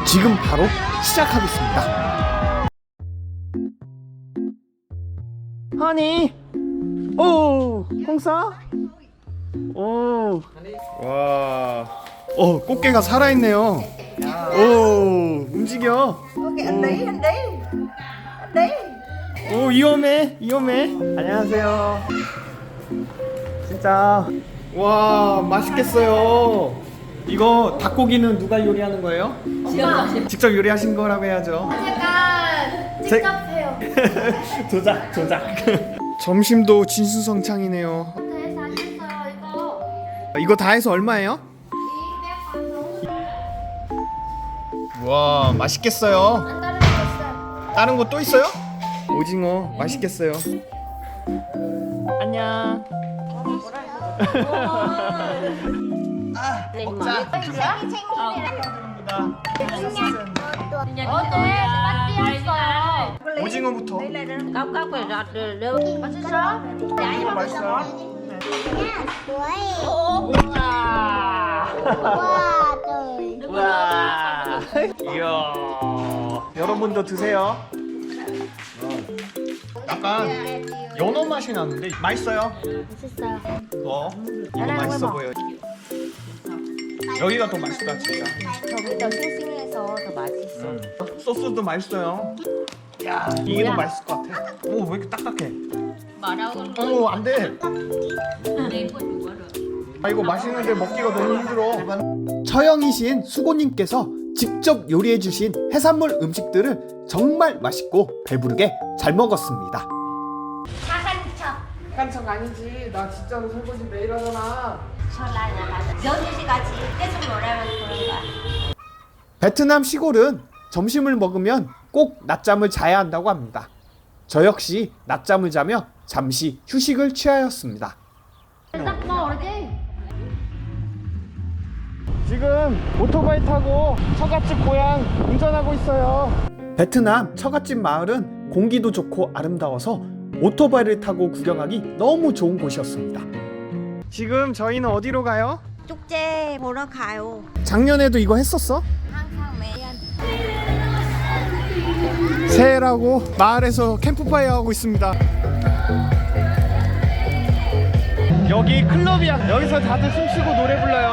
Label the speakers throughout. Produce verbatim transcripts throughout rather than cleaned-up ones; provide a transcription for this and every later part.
Speaker 1: 지금 바로 시작하겠습니다. 하니, 오, 홍사, 오, 와, 어, 꽃게가 살아있네요. 오, 움직여.
Speaker 2: 오케이, anh đi, anh đi, anh đi.
Speaker 1: 오, 위험해, 위험해. 안녕하세요. 진짜, 와, 맛있겠어요. 이거 닭고기는 누가 요리하는 거예요?
Speaker 3: 엄마.
Speaker 1: 직접 요리하신 거라고 해야죠.
Speaker 3: 제가 직접 해요.
Speaker 1: 조작, 조작. 점심도 진수성찬이네요.
Speaker 3: 호텔에서 하셨어요 이거.
Speaker 1: 이거 다 해서 얼마예요?
Speaker 3: 이백 원.
Speaker 1: 와, 맛있겠어요.
Speaker 3: 안 다른 거 있어요.
Speaker 1: 다른 거 또 있어요? 오징어 맛있겠어요. 안녕. 먹자.
Speaker 3: 어때? 맛있어요.
Speaker 1: 오징어부터.
Speaker 4: Cốc cốc rồi rọt rồi lưu.
Speaker 3: 맛있어?
Speaker 1: 오징어 맛있어요. 와. 이야. 여러분도 드세요. 약간 연어 맛이 나는데 맛있어요.
Speaker 3: 맛있어요.
Speaker 1: 어? 이거 맛있어 보여. 여기가 더 맛있다 진짜.
Speaker 4: 저기 더 싱싱해서 더 맛있어.
Speaker 1: 음. 소스도 맛있어요. 야, 이게 더 맛있을 것 같아. 오, 왜 이렇게 딱딱해? 오, 안 돼. 아, 이거 맛있는데 먹기가 너무 힘들어. 처형이신 수고님께서 직접 요리해주신 해산물 음식들을 정말 맛있고 배부르게 잘 먹었습니다. 깐척 아니지. 나 진짜로 설거지 매일 하잖아.
Speaker 4: 연주 씨 같이 계속 놀아면 그런 거야.
Speaker 1: 베트남 시골은 점심을 먹으면 꼭 낮잠을 자야 한다고 합니다. 저 역시 낮잠을 자며 잠시 휴식을 취하였습니다.
Speaker 3: 딱 먹어야지.
Speaker 1: 지금 오토바이 타고 처갓집 고향 운전하고 있어요. 베트남 처갓집 마을은 공기도 좋고 아름다워서 오토바이를 타고 구경하기 너무 좋은 곳이었습니다. 지금 저희는 어디로 가요?
Speaker 4: 축제 보러 가요.
Speaker 1: 작년에도 이거 했었어?
Speaker 4: 항상 매일.
Speaker 1: 새해라고 마을에서 캠프파이어 하고 있습니다. 여기 클럽이야. 여기서 다들 춤추고 노래 불러요.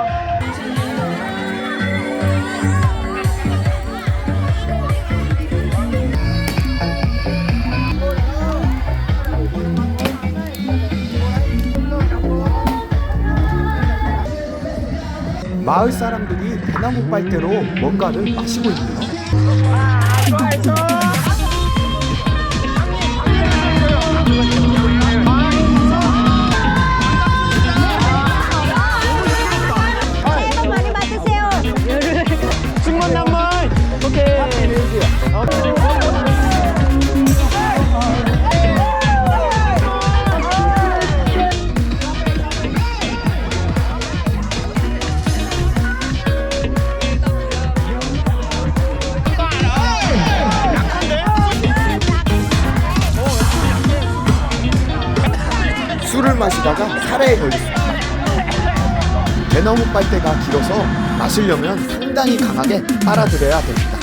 Speaker 1: 마을 사람들이 대나무 빨대로 뭔가를 마시고 있네요.
Speaker 4: 새해 복 많이 받으세요.
Speaker 1: 승만 남만. 오케이. 술을 마시다가 살해에 걸렸습니다. 대나무 빨대가 길어서 마시려면 상당히 강하게 빨아들여야 됩니다.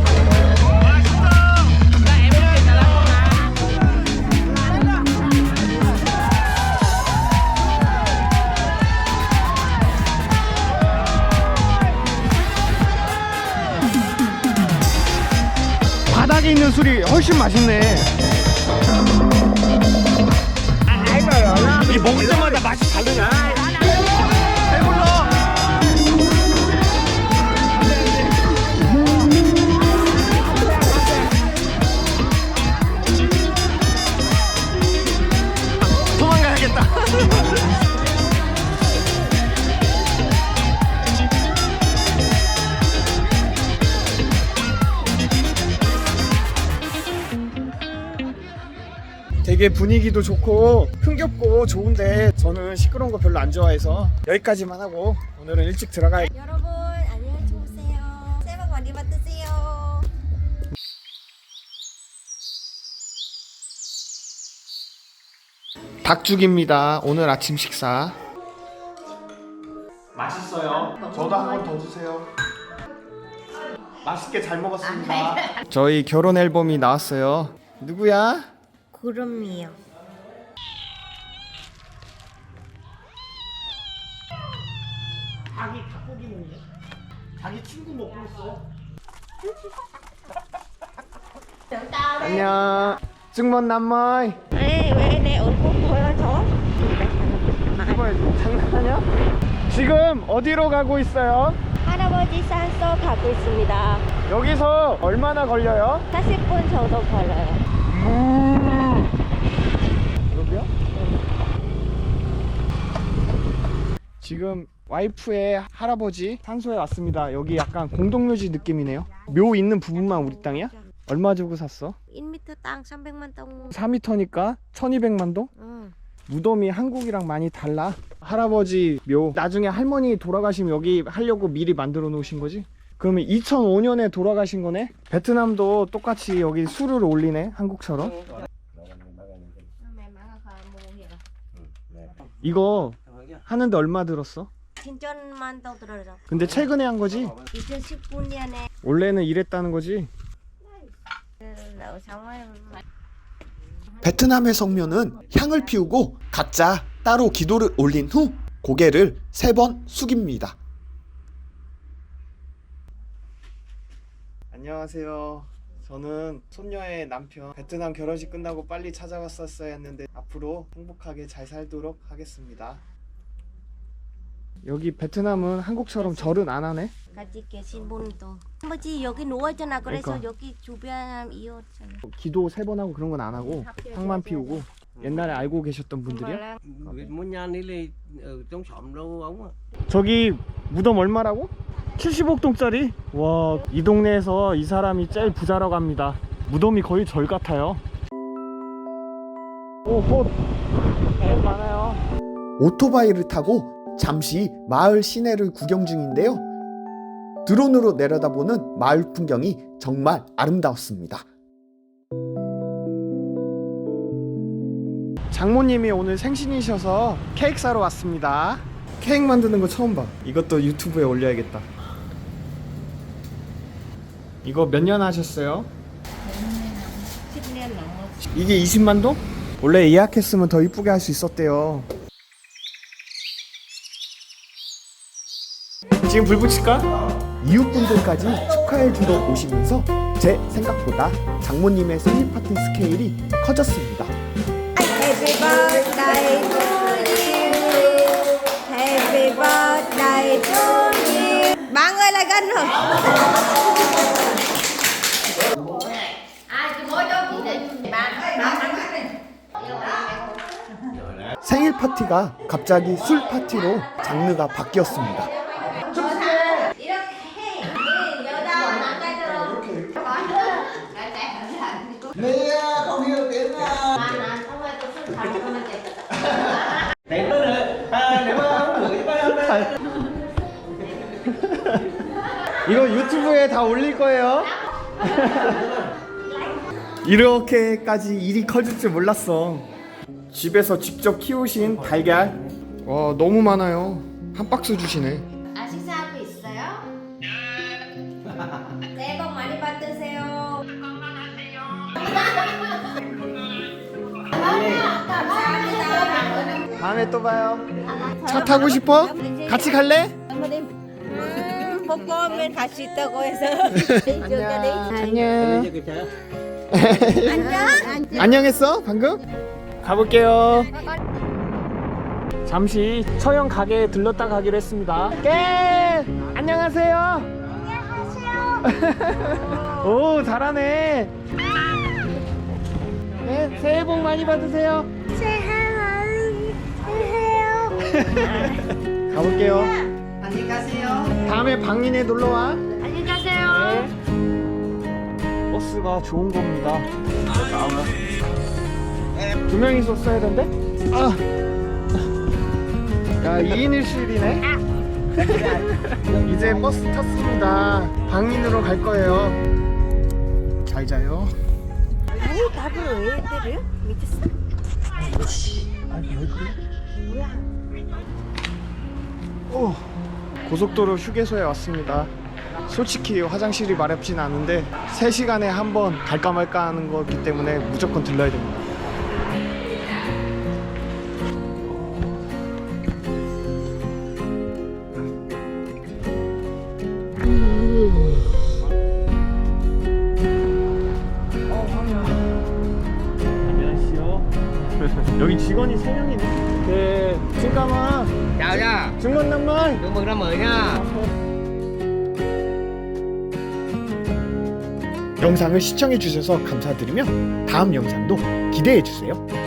Speaker 1: 바닥에 있는 술이 훨씬 맛있네. 이 먹을 때마다 맛이 다르냐? 배불러. 도망가야겠다. 되게 분위기도 좋고 흥겹고 좋은데 저는 시끄러운 거 별로 안 좋아해서 여기까지만 하고 오늘은 일찍 들어가야.
Speaker 4: 여러분 안녕히 주무세요. 새해 복 많이 받으세요.
Speaker 1: 닭죽입니다. 오늘 아침 식사. 맛있어요. 저도 한 번 더 주세요. 맛있게 잘 먹었습니다. 저희 결혼 앨범이 나왔어요. 누구야?
Speaker 4: 구름이요.
Speaker 1: 자기 닭고기 먹네. 자기 친구 먹고 있어. 안녕. 증먼 남마이.
Speaker 4: 에이, 왜 내 얼굴 보여줘?
Speaker 1: 이거 장난하냐? 지금 어디로 가고 있어요?
Speaker 4: 할아버지 산소 가고 있습니다.
Speaker 1: 여기서 얼마나 걸려요?
Speaker 4: 사십 분 정도 걸려요.
Speaker 1: 여기요? 지금 와이프의 할아버지 산소에 왔습니다. 여기 약간 공동묘지 느낌이네요. 묘 있는 부분만 우리 땅이야? 얼마 주고 샀어?
Speaker 4: 일 미터 땅 삼백만 동.
Speaker 1: 사 미터니까 천이백만 동?
Speaker 4: 응.
Speaker 1: 무덤이 한국이랑 많이 달라. 할아버지 묘 나중에 할머니 돌아가시면 여기 하려고 미리 만들어 놓으신 거지? 그러면 이천오 년에 돌아가신 거네? 베트남도 똑같이 여기 술을 올리네, 한국처럼. 이거 하는데 얼마 들었어?
Speaker 4: 진천만 동 들어서.
Speaker 1: 근데 최근에 한 거지?
Speaker 4: 이천십구 년에
Speaker 1: 원래는 이랬다는 거지?
Speaker 4: 정말
Speaker 5: 베트남의 성묘는 향을 피우고 각자 따로 기도를 올린 후 고개를 세 번 숙입니다.
Speaker 1: 안녕하세요. 저는 손녀의 남편. 베트남 결혼식 끝나고 빨리 찾아왔었어야 했는데 앞으로 행복하게 잘 살도록 하겠습니다. 여기 베트남은 한국처럼 절은 안 하네?
Speaker 4: 같이 계신 분도 아버지 여기 누워있잖아. 그래서
Speaker 1: 그러니까.
Speaker 4: 여기 주변 이웃잖아.
Speaker 1: 기도 세 번 하고 그런 건 안 하고 향만 피우고. 옛날에 알고 계셨던 분들이야?
Speaker 6: Muốn nhan đi là ở trong xóm đâu ông ạ.
Speaker 1: 저기 무덤 얼마라고? 칠십억 동짜리? 와, 이 동네에서 이 사람이 제일 부자라고 합니다. 무덤이 거의 절 같아요. 오, 꽃! 꽃 많아요.
Speaker 5: 오토바이를 타고 잠시 마을 시내를 구경 중인데요. 드론으로 내려다보는 마을 풍경이 정말 아름다웠습니다.
Speaker 1: 장모님이 오늘 생신이셔서 케이크 사러 왔습니다. 케이크 만드는 거 처음 봐. 이것도 유튜브에 올려야겠다. 이거 몇 년 하셨어요?
Speaker 4: 십 년 넘었어.
Speaker 1: 이게 이십만 동? 원래 예약했으면 더 이쁘게 할 수 있었대요. 지금 불 붙일까?
Speaker 5: 이웃분들까지 축하해주러 오시면서 제 생각보다 장모님의 생일 파티 스케일이 커졌습니다.
Speaker 4: Happy birthday to you. Happy birthday to you. Bạn ơi lại gần rồi.
Speaker 5: 생일 파티가 갑자기 술 파티로 장르가 바뀌었습니다.
Speaker 1: 이거 유튜브에 다 올릴 거예요. 이렇게까지 일이 커질 줄 몰랐어. 집에서 직접 키우신 달걀. 와, 너무 많아요. 한 박스 주시네.
Speaker 4: 아 식사하고 있어요? 새해 복 많이 받으세요. 감사합니다.
Speaker 1: 다음에 또 봐요. 차 타고 싶어? 같이 갈래?
Speaker 4: 음, 뽀뽀하면 갈 수 있다고 해서.
Speaker 1: 안녕.
Speaker 4: 안녕.
Speaker 1: 안녕했어? 방금? 가볼게요. 잠시 처형 가게에 들렀다 가기로 했습니다. 깨! 안녕하세요. 안녕하세요. 오, 잘하네. 네, 새해 복 많이 받으세요.
Speaker 4: 새해
Speaker 1: 가볼게요.
Speaker 2: 안녕히 가세요.
Speaker 1: 다음에 방인에 놀러 와.
Speaker 3: 안녕히 가세요.
Speaker 1: 네. 버스가 좋은 겁니다. 두 명이서 써야 된대? 아. 야, 이 인 일 실이네. 이제 버스 탔습니다. 방인으로 갈 거예요. 잘 자요.
Speaker 4: 아니 답을 왜 때려? 미쳤어?
Speaker 1: 아니, 왜 그래? 오, 고속도로 휴게소에 왔습니다. 솔직히 화장실이 마렵진 않은데 세 시간에 한 번 갈까 말까 하는 거기 때문에 무조건 들러야 됩니다. 안녕하세요. 여기 직원이 세 명이네. 네, 잠깐만.
Speaker 6: Chào nha.
Speaker 1: 중건 남말.
Speaker 6: Chúc mừng năm mới nha.
Speaker 5: 영상을 시청해 주셔서 감사드리며 다음 영상도 기대해 주세요.